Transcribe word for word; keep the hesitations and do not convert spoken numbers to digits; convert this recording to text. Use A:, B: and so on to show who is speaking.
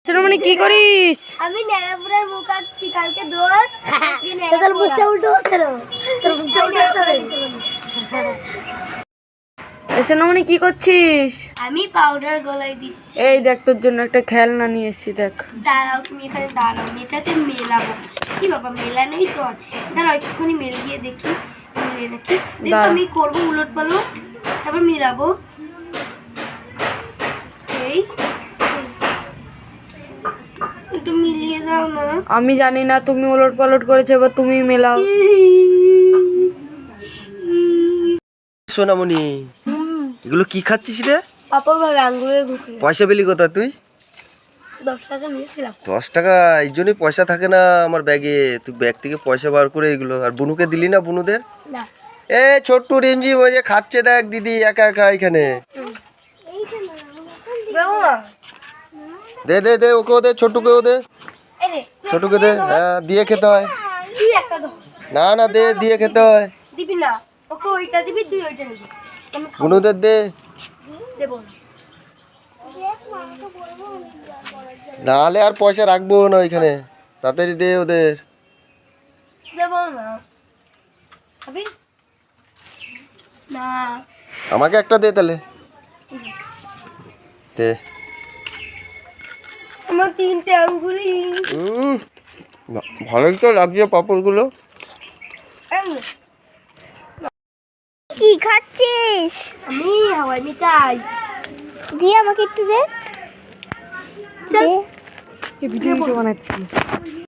A: সোনামণি কি করিস?
B: আমি নেড়াপুরের মুখ আঁকছি কালকে দোল
A: তোর মুখটা উল্টো হচ্ছে না তোর মুখটা উল্টো হচ্ছে না সোনামণি কি করছিস?
B: আমি পাউডার গলায় দিচ্ছি।
A: এই দেখ তোর জন্য একটা খেলনা নিয়ে এসেছি দেখ।
B: দাঁড়াও তুমি এখানে দাঁড়াও, এটাকে মেলাবো। কি বাবা মেলানোই তো আছে, দাঁড়াও একটুখানি মেলিয়ে দেখি, মিলিয়ে দেখি। দেখো আমি করবো উলট পালট, তারপর মেলাবো। এই একটু মিলিয়ে দাও না।
A: আমি জানি না, তুমি ওলট পালট করেছো, এবার তুমি মেলাও।
C: সোনামণি এগুলো কি খাচ্ছিস রে?
B: পাপড় ভালো আঙ্গুলে ঢুকে।
C: পয়সা পেলি কোথা তুই?
B: দশ টাকা নিয়েছিলাম।
C: দশ টাকা? এই জন্যই পয়সা থাকে না আমার ব্যাগে। তুই ব্যাগ থেকে পয়সা বার করে এগুলো আর বুনুকে দিলি না? বুনুদের
B: না
C: এ ছোট্ট রিমঝি ওই যে খাচ্ছে দেখ দিদি একা একা এখানে। দে দে দে ওকেও দে, ছোট্টকেও দে, ছোটকে দে। হ্যাঁ দিয়ে খেতে হয়। না না দে, দিয়ে খেতে হয়।
B: দিবি না, ওকে ওইটা দিবি, তুই ওইটা নিবি।
C: বুনুদের দে।
B: দেবো না।
C: নাহলে আর পয়সা রাখবো না ওইখানে। তাড়াতাড়ি দে ওদের।
B: দেবো না। খাবি না?
C: আমাকে একটা দে তাহলে। দে।
B: আমার তিনটে আঙ্গুলি।
C: হুম ভালোই তো লাগছে পাঁপড়গুলো।
B: কি খাচ্ছিস? আমি হাওয়াই মিঠাই। দিয়ে আমাকে একটু দে।
A: ভিডিও বানাচ্ছি।